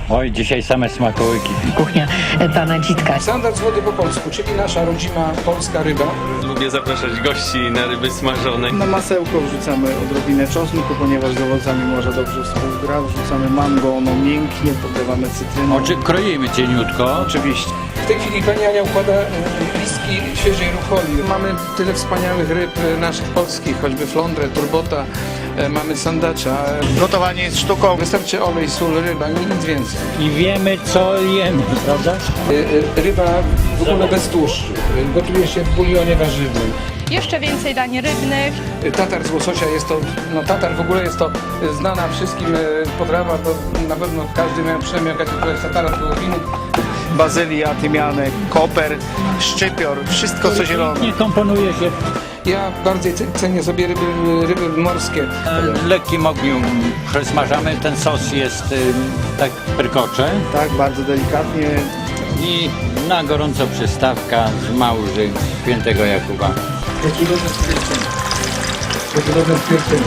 Oj, dzisiaj same smakołyki. Kuchnia pana Dzitka. Standard z wody po polsku, czyli nasza rodzima polska ryba. Lubię zapraszać gości na ryby smażone. Na masełko wrzucamy odrobinę czosnku, ponieważ z owocami może dobrze współgra. Wrzucamy mango, ono mięknie, podlewamy cytryną. Kroimy cieniutko. Oczywiście. W tej chwili pani Ania układa listki świeżej rucholi. Mamy tyle wspaniałych ryb naszych polskich, choćby flądrę, turbota, mamy sandacza. Gotowanie jest sztuką. Wystarczy olej, sól, ryba, nic więcej. I wiemy, co jemy, prawda? Ryba w ogóle bez tłuszczu. Gotuje się w bulionie warzywnym. Jeszcze więcej dań rybnych. Tatar z łososia jest to, tatar w ogóle jest to znana wszystkim potrawa, to na pewno każdy miał przynajmniej jakiegoś tatara z wołowiny. Bazylia, tymianek, koper, szczypior, wszystko co zielone. Nie komponuje się. Ja bardziej cenię sobie ryby morskie. W lekkim ogniu przesmażamy. Ten sos jest tak perkocze. Tak, bardzo delikatnie. I na gorąco przystawka z Małży Świętego Jakuba. Jaki dobry stwierdzenie. Jaki dobry stwierdzenie.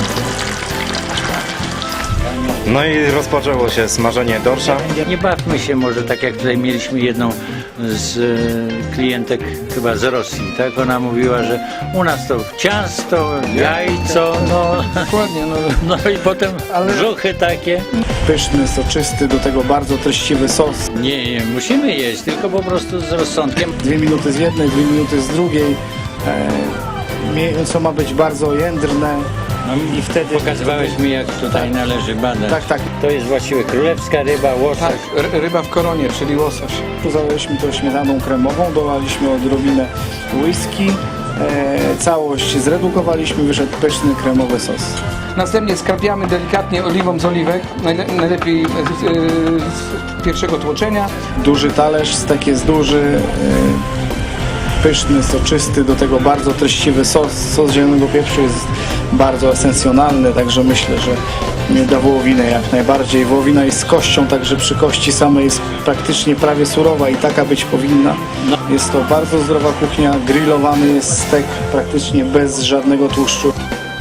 No i rozpoczęło się smażenie dorsza. Nie bawmy się może tak jak tutaj mieliśmy jedną z klientek chyba z Rosji, tak? Ona mówiła, że u nas to ciasto, jajco, Dokładnie, no i potem brzuchy takie. Pyszny, soczysty, do tego bardzo treściwy sos. Nie, musimy jeść, tylko po prostu z rozsądkiem. 2 minuty z jednej, 2 minuty z drugiej. Mięso ma być bardzo jędrne. I wtedy... Pokazywałeś mi, jak tutaj należy badać. Tak, tak. To jest właściwie królewska ryba, łosoś. tak, ryba w koronie, czyli łosoś. Zalaliśmy to śmietaną kremową, dolaliśmy odrobinę whisky. Całość zredukowaliśmy, wyszedł pyszny kremowy sos. Następnie skrapiamy delikatnie oliwą z oliwek, najlepiej z pierwszego tłoczenia. Duży talerz, stek jest duży, pyszny, soczysty, do tego bardzo treściwy sos. Sos zielonego pieprzu jest bardzo esencjonalny, także myślę, że da wołowinę jak najbardziej. Wołowina jest z kością, także przy kości samej jest praktycznie prawie surowa i taka być powinna. Jest to bardzo zdrowa kuchnia, grillowany jest stek praktycznie bez żadnego tłuszczu.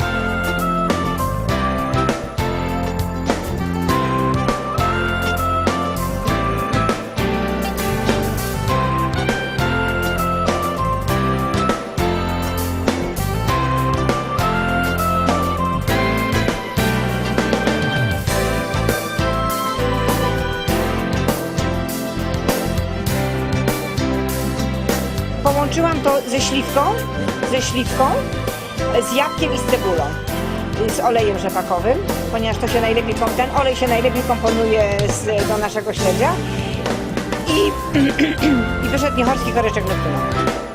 Połączyłam to ze śliwką, z jabłkiem i z cebulą, z olejem rzepakowym, ponieważ to się najlepiej, ten olej się najlepiej komponuje do naszego śledzia i wyszedł niechorski koreczek Neptuna.